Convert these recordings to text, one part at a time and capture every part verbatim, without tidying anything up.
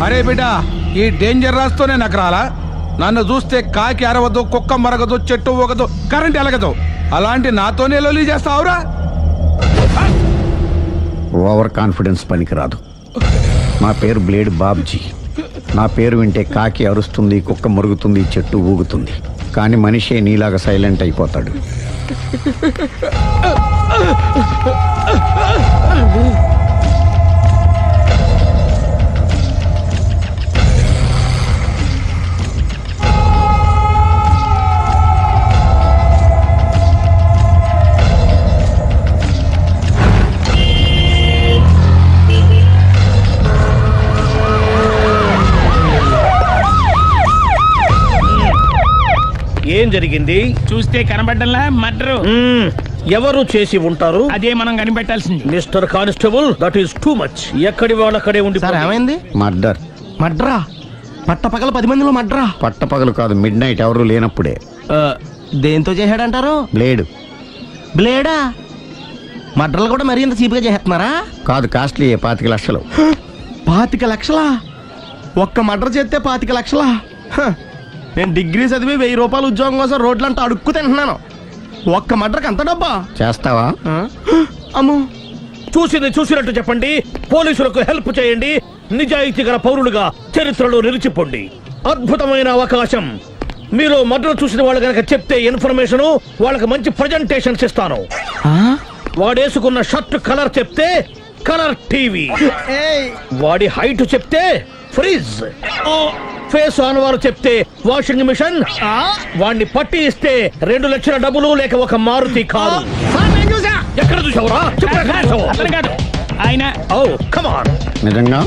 అరే బిడ్డ, ఈ డేంజర్ రాస్తూనే నాకు రాలా? నన్ను చూస్తే కాకి అరవదు, కుక్క మరగదు, చెట్టు ఊగదు, కరెంట్ ఎలగదు. అలాంటి నాతోనే లొలి చేస్తావురా? ఓవర్ కాన్ఫిడెన్స్ పనికిరాదు. నా పేరు బ్లేడ్ బాబ్జీ. నా పేరు వింటే కాకి అరుస్తుంది, కుక్క మురుగుతుంది, చెట్టు ఊగుతుంది. కానీ మనిషే నీలాగా సైలెంట్ అయిపోతాడు. ఏం జరిగింది? చూస్తే కనబడ్డంలా మర్డరు. ఎవరు చేసి ఉంటారు? అదే మనం కనిపెట్టాల్సింది. Mister constable, that is too much. ఎక్కడి వాళ్ళక్కడే ఉండి. సార్ ఏమైంది? మర్డర్. మడ్రా? పట్ట పగల పది మందిలో మడ్రా? పట్టపగలు కాదు, మిడ్ నైట్ ఎవరు లేనప్పుడే. దేంతో చేశాడంటారు? బ్లేడ్. బ్లేడా? మడ్రలు కూడా మరీ ఇంత చీప్గా చేస్తున్నారా? కాదు, కాస్ట్లీ. పాతిక లక్షలు. పాతిక లక్షలా? ఒక్క మడ్ర చేస్తే పాతిక లక్షలా? హ, నేను డిగ్రీ చదివి వెయ్యి రూపాయలు ఉద్యోగం కోసం రోడ్లంతా అడుక్కు తింటున్నాను. ఒక్క మడ్రకు అంత డబ్బా? చేస్తావా? అమ్మో. చూసింది చూసినట్టు చెప్పండి. పోలీసులకు హెల్ప్ చేయండి. నిజాయితీ గల పౌరులుగా చరిత్రలో నిలిచిపోండి. అద్భుతమైన అవకాశం. మీరు మర్డర్ చూసిన వాళ్ళు కనుక చెప్తే ఇన్ఫర్మేషన్, వాళ్ళకి మంచి ప్రజెంటేషన్స్ ఇస్తాను. వాడేసుకున్న షర్ట్ కలర్ చెప్తే కలర్ టీవీ, వాడి హైట్ చెప్తే ఫ్రిజ్, ఫేస్ ఆన్ వారు చెప్తే వాషింగ్ మిషన్, వాడిని పట్టి ఇస్తే రెండు లక్షల డబ్బులు లేక ఒక మారుతి కారు. ఎక్కడ చూసావురా? ఆయన నిజంగా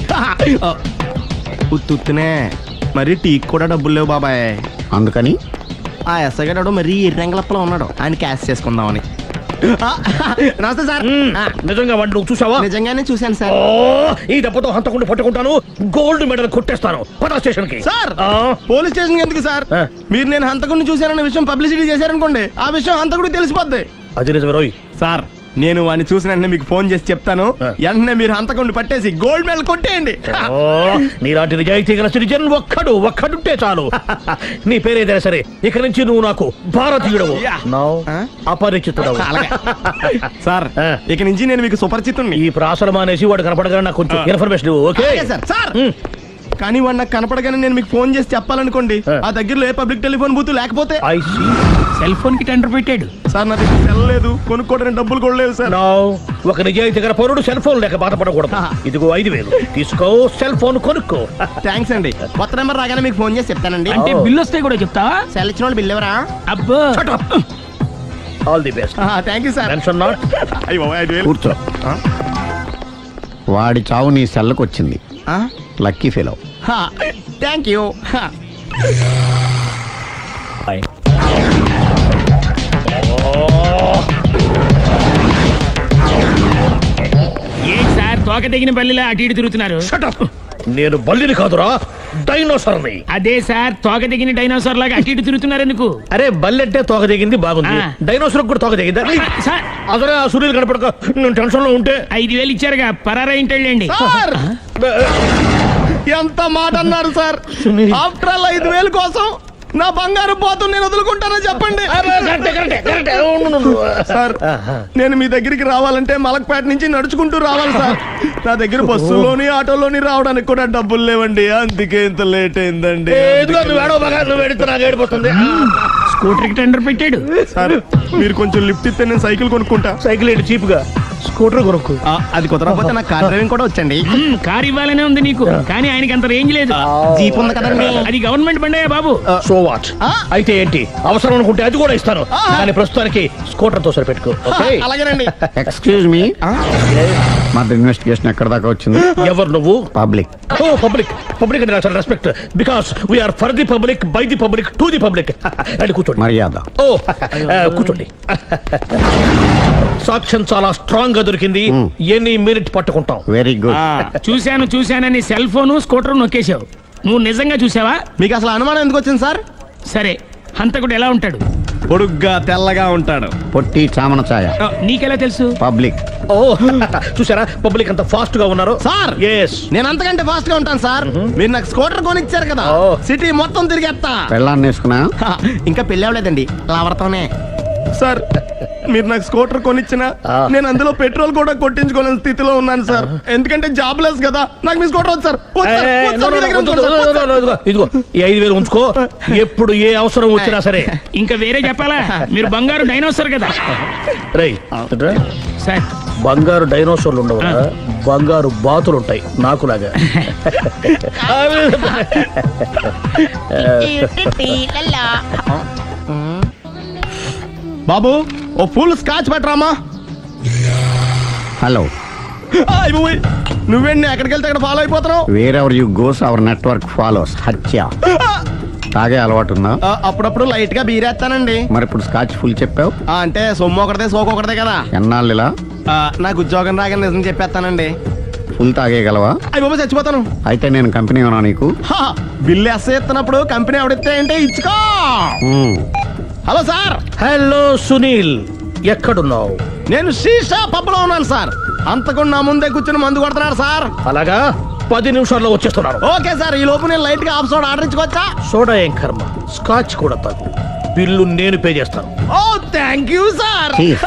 ఉత్తునే మరి టీకి కూడా డబ్బులు లేవు బాబాయ్. అందుకని ఆ ఎస్ఐ గారు మరీ ఎర్రంగలప్పలో ఉన్నాడు. ఆయన క్యాష్ చేసుకుందామని. నమస్తే సార్. నిజంగా వాడిని నువ్వు చూసావా? నిజంగానే చూశాను సార్. ఈ దెబ్బతో హంతకుండా పట్టుకుంటాను, గోల్డ్ మెడల్ కొట్టేస్తాను. పద స్టేషన్ కి. సార్, పోలీస్ స్టేషన్ ఎందుకు సార్? మీరు నేను హంతకుడిని చూశానన్న విషయం పబ్లిసిటీ చేశారనుకోండి, ఆ విషయం హంతకుడికి తెలిసిపోద్ది. అది నిజమే రోయ్. సార్, నేను వాడిని చూసిన వెంటనే మీకు ఫోన్ చేసి చెప్తాను. వెంటనే మీరు హంతకుడిని పట్టేసి గోల్డ్ మెడల్ కొట్టేయండి. నీలాంటి నిజాయితీ గల సిటిజన్ ఒక్కడు ఒక్కడుంటే చాలు. నీ పేరేదైనా సరే, ఇక నుంచి నువ్వు నాకు భారతీయుడవు, అపరిచితుడవు. సార్, ఇక నుంచి నేను మీకు సుపరిచితుడిని. ఈ ప్రాసలు మానేసి వాడు కనపడగానే నాకు కొంచెం ఇన్ఫర్మేషన్. Okay sir. సార్, కానీ వాడు నాకు కనపడగానే నేను మీకు ఫోన్ చేసి చెప్పాలనుకోండి, ఆ దగ్గరలో ఏ పబ్లిక్ టెలిఫోన్ బూత్ లేకపోతే. సెల్ ఫోన్ కి టెండర్ పెట్టాడు సార్. నా దగ్గర సెల్ లేదు, కొనుక్కోవడానికి డబ్బులు కూడా లేవు సార్. ఒక నిజాయితీ గల పౌరుడు సెల్ ఫోన్ లేక బాధపడకూడదు. ఇదిగో ఐదు వేలు తీసుకో, సెల్ ఫోన్ కొనుక్కో. థ్యాంక్స్ అండి. కొత్త నెంబర్ రాగానే మీకు ఫోన్ చేసి చెప్తానండి. అంటే బిల్ వస్తే కూడా చెప్తావా? సెల్ ఇచ్చిన వాళ్ళు బిల్ ఎవరా? అబ్బో. All the best. Thank you sir. Tension not. కూర్చో. వాడి చావు నీ సెల్లకు వచ్చింది. Lucky fellow. Thank you. ఏ సార్, తోక తెగిన బల్లిలా అటు ఇటు తిరుగుతున్నారు? నేను బల్లిని కాదురా, డైనోసార్ని. అదే సార్, తోక తెగిన డైనోసార్ లాగా అటు ఇటు తిరుగుతున్నారు ఎందుకు? అరే, బల్లెట్టే తోక దిగింది బాగుంది, డైనోసార్ కూడా తోక దిగిందా? అదరే ఆ సూర్యులు కనపడక నేను టెన్షన్ లో ఉంటే. ఐదు వేలు ఇచ్చారుగా, పరారా ఇంటండి. ఎంత మాట అన్నారు సార్? ఆఫ్టర్ ఆల్ ఐదు వేలు కోసం నా బంగారు పోతు నేను వదులుకుంటానని చెప్పండి సార్. నేను మీ దగ్గరికి రావాలంటే మలక్పేట నుంచి నడుచుకుంటూ రావాలి సార్. నా దగ్గర బస్సులోని ఆటోలోని రావడానికి కూడా డబ్బులు లేవండి, అందుకే ఇంత లేట్ అయిందండి. స్కూటర్ కి టెండర్ పెట్టాడు సార్. మీరు కొంచెం లిఫ్ట్ ఇస్తే నేను సైకిల్ కొనుక్కుంటా. సైకిల్ ఏంటి చీప్ గా, స్కూటర్ కొనుక్కు. అది కుదరకపోతే నాకు కార్ డ్రైవింగ్ కూడా వచ్చండి. కార్ ఇవ్వాలనే ఉంది నీకు, కానీ ఆయనకి అంత రేంజ్ లేదు. జీప్ ఉంది కదండి. అది గవర్నమెంట్ బండే బాబు. So what? అయితే ఏంటి, అవసరం అనుకుంటే అది కూడా ఇస్తాను, కానీ ప్రస్తుతానికి స్కూటర్ తో సరిపెట్టుకో. అలాగేనండి. ఎక్స్క్యూజ్ మీ, మా ఇన్వెస్టిగేషన్ ఎక్కడ దాకా వచ్చింది? ఎవరు నువ్వు? పబ్లిక్. ఓ పబ్లిక్. పబ్లిక్ అంటే చాలా respect, because we are for the public, by the public, to the public. అది కూర్చోండి. మర్యాద. ఓ కూర్చోండి. సాక్ష్యం చాలా స్ట్రాంగ్ గా దొరికింది, ఎన్ని మినిట్ పట్టుకుంటాం. Very good. చూశాను చూశానని సెల్ ఫోను స్కూటర్ నొక్కేశావు. నువ్వు నిజంగా చూసావా? మీకు అసలు అనుమానం ఎందుకు వచ్చింది సార్? సరే, హంతకుడు ఎలా ఉంటాడు? పొడుగ్గా తెల్లగా ఉంటాడు. పొట్టి చామన ఛాయ. నీకెలా తెలుసు? పబ్లిక్. ఓ చూసారా పబ్లిక్ అంత ఫాస్ట్ గా ఉన్నారు. సార్ ఎస్ నేను అంతకంటే ఫాస్ట్ గా ఉంటాను సార్. మీరు నాకు స్కూటర్ కొనిచ్చారు కదా, ఓ. సిటీ మొత్తం తిరిగేస్తా. పెళ్ళాన్ని వేసుకున్నా. హా, ఇంకా పెళ్ళి అవ్వలేదండి, లావర్తోనే. సార్ మీరు నాకు స్కూటర్ కొనిచ్చిన ఆ. నేను అందులో పెట్రోల్ కూడా కొట్టించుకోలేని స్థితిలో ఉన్నాను సార్. ఎందుకంటే జాబ్ లెస్ కదా, నాకు మీ స్కూటర్ వద్దు సార్. వద్దు సార్, ఏ, వద్దు నో, సార్, నో, మీ దగ్గర నో, ఉంచుకోండి నో, సార్, నో, వద్దు నో, ఇదిగో ఇదిగో ఈ ఐదు వేలు ఉంచుకో. ఎప్పుడు ఏ అవసరం వచ్చినా సరే. ఇంకా వేరే చెప్పాలా? మీరు బంగారు డైనోసర్ కదా రై సార్. బంగారు డైనోసార్లు ఉండవు బంగారు బాతులు ఉంటాయి నాకులాగా. బాబు ఓ ఫుల్ స్కాచ్ పెట్టరామా. హలో. నువ్వేంటి ఎక్కడికి వెళ్తే అక్కడ ఫాలో అయిపోతున్నావు? Wherever you goes our network follows. హత్య. తాగే అలవాటు ఉందా? ఆ, అప్పుడప్పుడు లైట్ గా బీరేస్తానండి. మరి ఇప్పుడు స్కాచ్ ఫుల్ చెప్పావు. ఆ, అంటే సొమ్ము ఒకటిదే సోకు ఒకటిదే కదా. ఎన్నాళ్ళు ఇలా? ఆ, నాకు ఉద్యోగం రాగానే నిజం చెప్పేస్తానండి. ఫుల్ తాగేయగలవా? అయ్యి బాబు చచ్చిపోతాను. అయితే నేను కంపెనీ ఉన్నా నీకు. హా, బిల్లు ఎస్ ఎత్తినప్పుడు కంపెనీ ఎవడితే అంటే ఇచ్చుకో. మ్మ్. హలో సార్, హలో సునీల్ ఎక్కడున్నావు? నేను శీషా పబ్లో ఉన్నాను సార్. అంతకుండా నా ముందే కూర్చుని మందు కొడుతున్నాడు సార్. అలాగా పది నిమిషాల్లో వచ్చేస్తున్నాను. ఓకే సార్, ఈ లోపు నేను లైట్ గా ఆఫ్ సోడా ఆర్డర్ ఇచ్చుకోవచ్చా? సోడా ఏం కర్మ, స్కాచ్ కూడా తాగు. బిల్లు నేను పే చేస్తాను. Oh thank you sir. Cheers.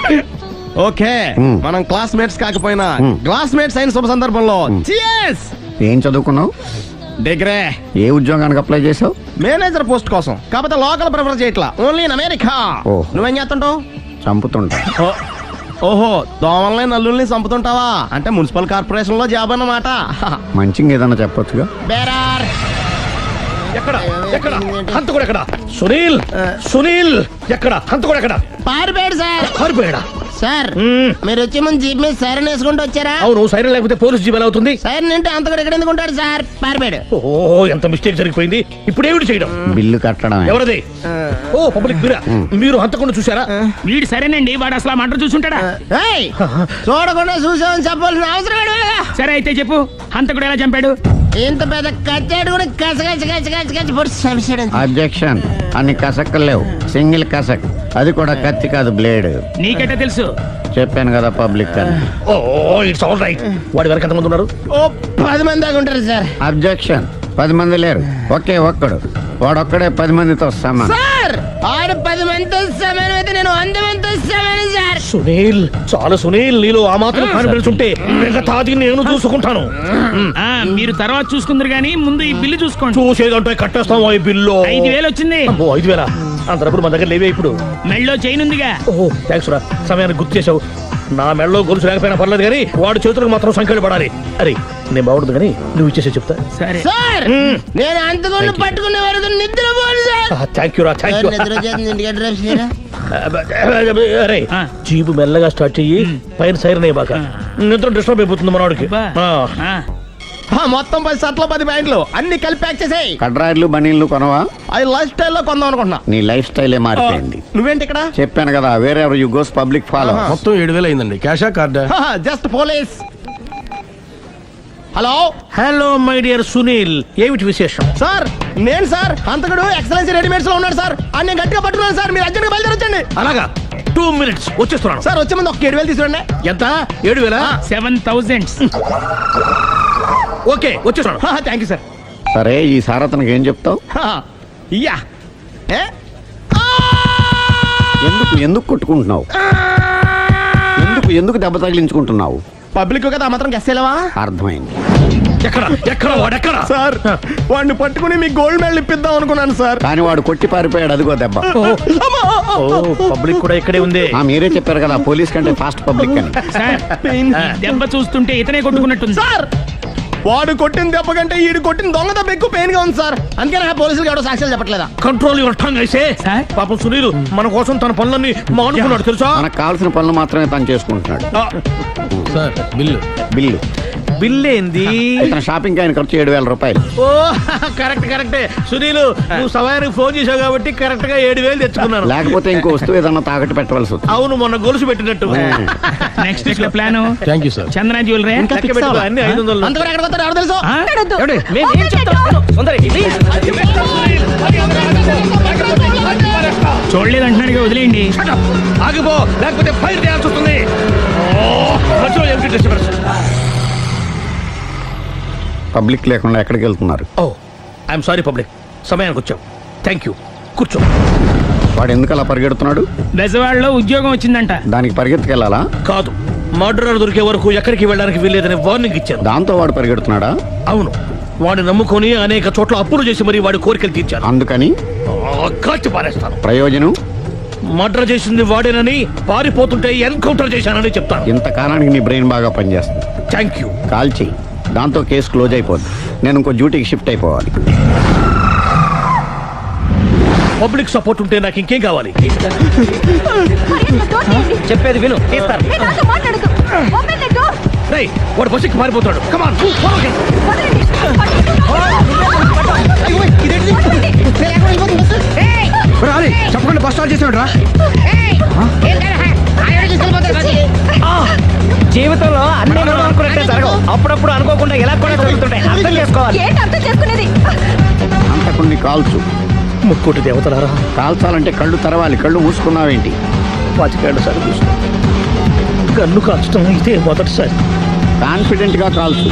Okay hmm. మనం క్లాస్మేట్స్ కాకపోయినా మ్మ్. క్లాస్మేట్స్ అయిన శుభ సందర్భంలో Cheers! ఏం చదువుకున్నావు? డిగ్రీ. ఏ ఉద్యోగానికి అప్లై చేసావు? మేనేజర్ పోస్ట్ కోసం, కాకపోతే లోకల్ ప్రిఫర్ చేయట్లా, ఓన్లీ ఇన్ అమెరికా. ఓ. నువ్వేం చేస్తుంటావు? చంపుతుంటా. ఓ, ఓహో దోమల్ని నల్లుల్ని చంపుతుంటావా? అంటే మున్సిపల్ కార్పొరేషన్ లో జాబ్ అన్నమాట. మంచిగా ఏదన్నా చెప్పొచ్చుగా. బేరార్. ఎక్కడ ఎక్కడ హంతకుడు ఎక్కడ? సునీల్ సునీల్ ఎక్కడ హంతకుడు ఎక్కడ? పారిపోయాడు సార్. పారిపోయాడా? సార్ మ్మ్. మీరు వచ్చే ముందు జీప్ మీద సైరన్ వేసుకుంటూ వచ్చారా? అవును, సైరన్ లేకపోతే పోలీస్ జీవన్ అవుతుంది. సైరన్ అంటే అంతకుడు ఎక్కడ ఎందుకు ఉంటాడు సార్? పారిపోయాడు. ఓ ఎంత మిస్టేక్ జరిగిపోయింది. ఇప్పుడు ఏమిటి చేయడం? బిల్లు కట్టడమే. ఎవరది? ఓ పబ్లిక్ మీరా? మీరు హంతకుండా చూసారా? వీడు సరేనండి, వాడు అసలు ఆ మంట చూసుంటాడా? ఏయ్, చూడకుండా చూసామని చెప్పాల్సిన అవసరం ఏంటి లేదా? సరే అయితే చెప్పు, హంతకుడు ఎలా చంపాడు? ఇంత పెద్ద కచ్చాడు కూడా కచ్చ కచ్చ కచ్చ కచ్చ కచ్చ పొడి చంపేశాడు. అబ్జెక్షన్. అన్ని కసక్కలు లేవు, సింగిల్ కసక్. అది కూడా కత్తి కాదు, బ్లేడ్. నీకెట్టా తెలుసు? చెప్పాను కదా పబ్లిక్ అని. Oh it's all right. వాడి వరకు ఎంతమంది ఉన్నారు? ఓ పది మంది దాకా ఉంటారు సార్. అబ్జెక్షన్. పది మంది లేరు, ఒకే ఒక్కడు. వాడొక్కడే పది మందితో సమానం. సార్ ఆడు పది మందితో సమానం అయితే నేను వంద మందితో సమానం సార్. సునీల్ చాలా సునీల్, నీలో ఆ మాత్రం కాన్ఫిడెన్స్ ఉంటే మిగతాది నేను చూసుకుంటాను. ఆ మీరు తర్వాత చూసుకుందరు గానీ ముందు ఈ బిల్లు చూసుకోండి. చూసేదంటే కట్టేస్తాం ఈ బిల్లు. ఐదు వేలు వచ్చింది. అమ్మో, ఐదు వేల అంత డబ్బులు మన దగ్గర లేవే ఇప్పుడు. మెళ్ళో చైన్ ఉందిగా. ఓహో థ్యాంక్స్ రా, సమయానికి గుర్తు చేసావు. నా మెడలో గొలుసు లేకపోయినా పర్లేదు కానీ వాడి చేతులకు మాత్రం సంఖ్యలు పడాలి. అరే నేను బాగుండదు కానీ నువ్వు ఇచ్చేసే చెప్తా. సరే సార్ నేను అంతకుండా పట్టుకునే వరకు నిద్రపోను సార్. థ్యాంక్ యూ రా, థ్యాంక్ యూ. నిద్ర వచ్చేస్తుంది, ఇంటికి అడ్రస్ చేయరా? అరే ఆ. జీబు మెల్లగా స్టార్ట్ చెయ్యి, పైన సైరన్ అయ్యాక నిద్ర డిస్టర్బ్ అయిపోతుంది మనవాడికి. అబ్బా. ఆ. ఆ, ఆ, మొత్తం పది షర్ట్లు పది ప్యాంట్లు అన్ని కలిపి ప్యాక్ చేసేయ్. కడ్రాయిడ్లు బనీళ్లు కొనవా? అవి లైఫ్ స్టైల్లో కొందాం అనుకుంటున్నా. నీ లైఫ్ స్టైలే మారిపోయింది. నువ్వేంటి ఇక్కడ? చెప్పాను కదా, వేరే ఎవరు యు గోస్ పబ్లిక్ ఫాలో. ఆహా. మొత్తం ఏడు వేలు అయిందండి. క్యాషా కార్డా? Just police. Hello hello my dear Sunil, ఏమిటి విశేషం? సార్, నేను సార్ అంతకుడు ఎక్సలెన్సీ రెడీమేడ్స్ లో ఉన్నాడు సార్. అని నేను గట్టిగా పట్టుకున్నాను సార్. మీరు అర్జెంట్గా బయలుదేరొచ్చండి. అలాగా, టూ మినిట్స్ వచ్చేస్తున్నాను. సార్ వచ్చే ముందు ఒక ఏడు వేలు తీసుకురండి. ఎంత? ఏడు వేల? Seven thousand. ఓకే వచ్చేస్తున్నాను. Thank you sir. సరే, ఈ సారతనకి ఏం చెప్తావు? ఇయ్యా ఏ? ఎందుకు ఎందుకు కొట్టుకుంటున్నావు? ఎందుకు ఎందుకు దెబ్బ తగిలించుకుంటున్నావు? పబ్లిక్ కదా ఆ మాత్రం గెస్సేలవా? అర్థమైంది. ఎక్కడ ఎక్కడ వాడెక్కడ? సార్ వాడిని పట్టుకుని మీ గోల్డ్ మెడల్ ఇప్పిద్దాం అనుకున్నాను సార్. కానీ వాడు కొట్టి పారిపోయాడు, అదిగో దెబ్బ. ఓ పబ్లిక్ కూడా ఇక్కడే ఉంది. ఆ, మీరే చెప్పారు కదా పోలీస్ కంటే ఫాస్ట్ పబ్లిక్ అని. సార్ ఈ దెబ్బ చూస్తుంటే ఇతనే కొట్టుకున్నట్టుంది. సార్ వాడు కొట్టిన దెబ్బ కంటే ఈడు కొట్టిన దొంగ దెబ్బ ఎక్కువ పెయిన్ గా ఉంది సార్. అందుకే నా పోలీసులు ఎవడో సాక్ష్యాలు చెప్పట్లేదా? కంట్రోల్ యువర్ టంగ్ అయితే. సార్? పాపం సునీల్ మన కోసం తన పనులన్నీ మానుకున్నాడు తెలుసా? మనకు కావాల్సిన పనులు మాత్రమే తను చేసుకుంటున్నాడు. Sir bill. బిల్లు బిల్ ఏంది? ఇతను షాపింగ్ ఆయన ఖర్చు ఏడు వేల రూపాయలు. ఓ కరెక్ట్ కరెక్టే సునీల్, నువ్వు సమయానికి ఫోన్ చేసావు కాబట్టి కరెక్ట్ గా ఏడు వేలు తెచ్చుకున్నాను. లేకపోతే ఇంకో వస్తువు ఏదన్నా తాకట్టు పెట్టవలసి వస్తుంది. అవును, మొన్న గొలుసు పెట్టినట్టు. నెక్స్ట్ వీక్ లో plan thank you sir. Chandana jewellery. లెక్క పెట్టుకో, అన్ని ఐదు వందలు. అంతవరకు ఎక్కడ పోతారు ఎవరు తెలుసు? ఏమండి? మేము ఏం చెప్తాం? సుందరి, ఇది- చూడలేదు అంటున్నాడుగా వదిలేయండి. Shut up! ఆగిపో, లేకపోతే ఫైర్ చేయాల్సి వస్తుంది. ఓ, మధ్యలో ఏమిటి disturbance? పబ్లిక్ లేకుండా ఎక్కడికి వెళ్తున్నారు? ఓ, ఐఎమ్ సారీ పబ్లిక్, సమయానికి వచ్చావు. థ్యాంక్ యూ, కూర్చో. వాడు ఎందుకు అలా పరిగెడుతున్నాడు? బెజవాడలో ఉద్యోగం వచ్చిందంట. దానికి పరిగెత్తుకెళ్ళాలా? కాదు, మర్డరర్ దొరికే వరకు ఎక్కడికి వెళ్ళడానికి వీల్లేదని వార్నింగ్ ఇచ్చాను. దాంతో వాడు పరిగెడుతున్నాడా? అవును, వాడిని నమ్ముకొని అనేక చోట్ల అప్పులు చేసి మరి వాడి కోరికలు తీర్చాను. అందుకని ఆ, కాల్చి పారేస్తాను. ప్రయోజనం? మర్డర్ చేసింది వాడేనని, పారిపోతుంటే ఎన్కౌంటర్ చేశానని చెప్తాను. ఇంతకాలానికి నీ బ్రెయిన్ బాగా పనిచేస్తుంది. Thank you. కాల్ చెయ్యి, దాంతో కేసు క్లోజ్ అయిపోద్ది. నేను ఇంకో డ్యూటీకి షిఫ్ట్ అయిపోవాలి. పబ్లిక్ సపోర్ట్ ఉంటే నాకు ఇంకేం కావాలి? చెప్పేది విను. తీస్తారు. రేయ్, వాడు బస్సుకి మారిపోతాడు. కమాన్, చెప్పకుండా బస్ స్టార్ట్ చేసాడు రా. జీవితంలో అన్ని మనం అనుకున్నట్టే జరగవు. అప్పుడప్పుడు అనుకోకుండా ఎలా కూడా జరుగుతుంటాయి. అర్థం చేసుకోవాలి. ఏంటి అర్థం చేసుకునేది? అంతకుని కాల్చు. ముక్కోటి దేవతలారా, కాల్చాలంటే కళ్ళు తెరవాలి. కళ్ళు మూసుకున్నావేంటి? పాతికేళ్ల సార్ చూసిన గన్ను కాల్చడం ఇదే మొదటిసారి. కాన్ఫిడెంట్ గా కాల్చు.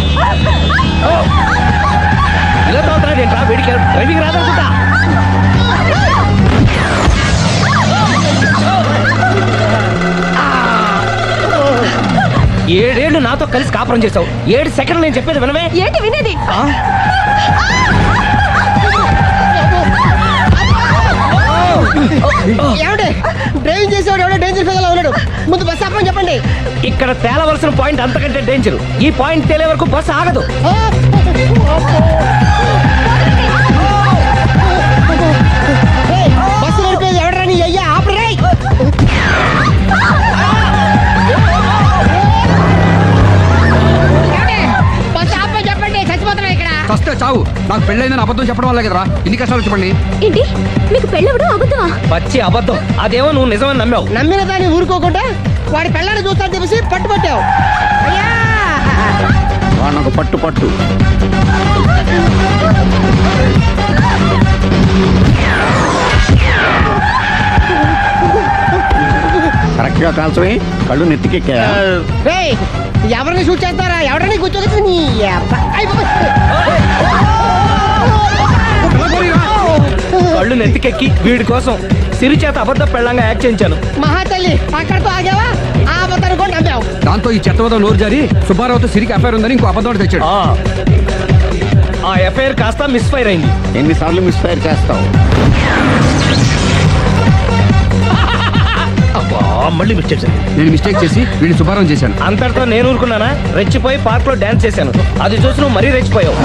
ఇలా తోతున్నాడు ఏంట్రా? వీడికి డ్రైవింగ్ రాదనుకుంటా. ఏడేళ్లు నాతో కలిసి కాపురం చేసావు. ఏడు సెకండ్లు నేను చెప్పేది వినవే. ఏంటి వినేది? ఏమంటే డ్రైవింగ్ చేసేవాడు ఎవడో డేంజర్ ఫిగర్ ఉన్నాడు. ముందు బస్ ఆపమని చెప్పండి. ఇక్కడ తేలవలసిన పాయింట్ అంతకంటే డేంజర్. ఈ పాయింట్ తేలే వరకు బస్సు ఆగదు. ఏయ్, బస్సు నడిపేది ఎవడరా? నీ అయ్యా ఆపరే. బస్ ఆపమని చెప్పండి, చచ్చిపోతున్నా ఇక్కడ. వస్తే చావు. నాకు పెళ్ళైందని అబద్ధం చెప్పడం వల్ల కదరా ఇన్ని కష్టాలు చెప్పండి. ఏంటి మీకు పెళ్ళవడం అబద్ధమా? పచ్చి అబద్ధం. అదేమో నువ్వు నిజమని నమ్మావు. నమ్మిన దాన్ని ఊరుకోకుండా వాడి పెళ్ళాన్ని చూస్తాను చెప్పేసి పట్టుబట్టావు. అయ్యా, వాడిని ఒక పట్టు పట్టు. కరెక్ట్ గా కాల్చవే. కళ్ళు నెత్తికెక్కా. రేయ్, ఎవరిని షూట్ చేస్తారా? ఎవరిని కూర్చోగచ్చు నీ అబ్బా. అయ్ బాబోయ్. కళ్ళు నెత్తికెక్కి వీడి కోసం సిరి చేత అబద్ధ పెళ్ళంగా యాక్ట్ చేయించాను. మహాతల్లి అక్కడితో ఆగావా? ఆ అబద్ధాన్ని కూడా నమ్మావు. దాంతో ఈ చెత్తవదో నోరు జారి సుబ్బారావుతో సిరికి అఫైర్ ఉందని ఇంకో అబద్ధం తెచ్చాడు. ఆ, ఆ ఎఫ్ఐఆర్ కాస్త మిస్ఫైర్ అయింది. ఎన్నిసార్లు మిస్ఫైర్ చేస్తావు? అబ్బా, మళ్ళీ మిస్టేక్ జరిగింది. నేను మిస్టేక్ చేసి వీడిని శుభారం చేశాను. అంతటితో నేను ఊరుకున్నానా? రెచ్చిపోయి పార్క్ లో డాన్స్ చేశాను. అది చూసి నువ్వు మరీ రెచ్చిపోయావు.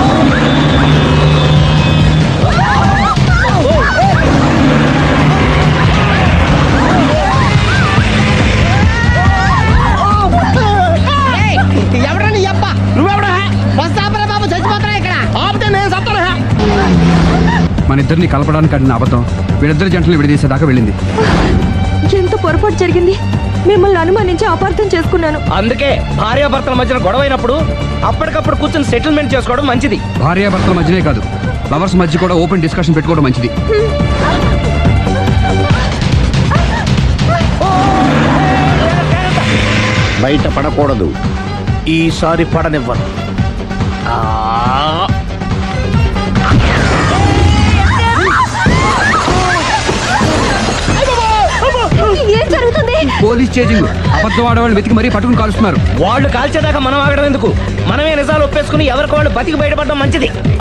ఏయ్, ఎవరా నీ అబ్బా? నువ్వెవడా? బస్ ఆపరా బాబు, చచ్చిపోతున్నా ఇక్కడ. ఆపితే నేను చస్తాను. మన ఇద్దరిని కలపడానికి ఆడిన అబద్ధం వీళ్ళిద్దరి జంటలు విడదీసేదాకా వెళ్ళింది. ఎంత పొరపాటు జరిగింది. మిమ్మల్ని అనుమానించి అపార్థం చేసుకున్నాను. అందుకే భార్యాభర్తల మధ్యన గొడవ అయినప్పుడు అప్పటికప్పుడు కూర్చొని సెటిల్మెంట్ చేసుకోవడం మంచిది. భార్యాభర్తల మధ్యనే కాదు, లవర్స్ మధ్య కూడా ఓపెన్ డిస్కషన్ పెట్టుకోవడం మంచిది. బయట పడకూడదు. ఈసారి పడనివ్వను. ఆ, ఏం జరుగుతుంది? Police chasing. అబద్ధం ఆడవాళ్ళు వెతికి మరీ పట్టుకుని కాలుస్తున్నారు. వాళ్ళు కాల్చేదాకా మనం ఆగడం ఎందుకు? మనమే నిజాలు ఒప్పేసుకుని ఎవరికి వాళ్ళు బతికి బయటపడడం మంచిది.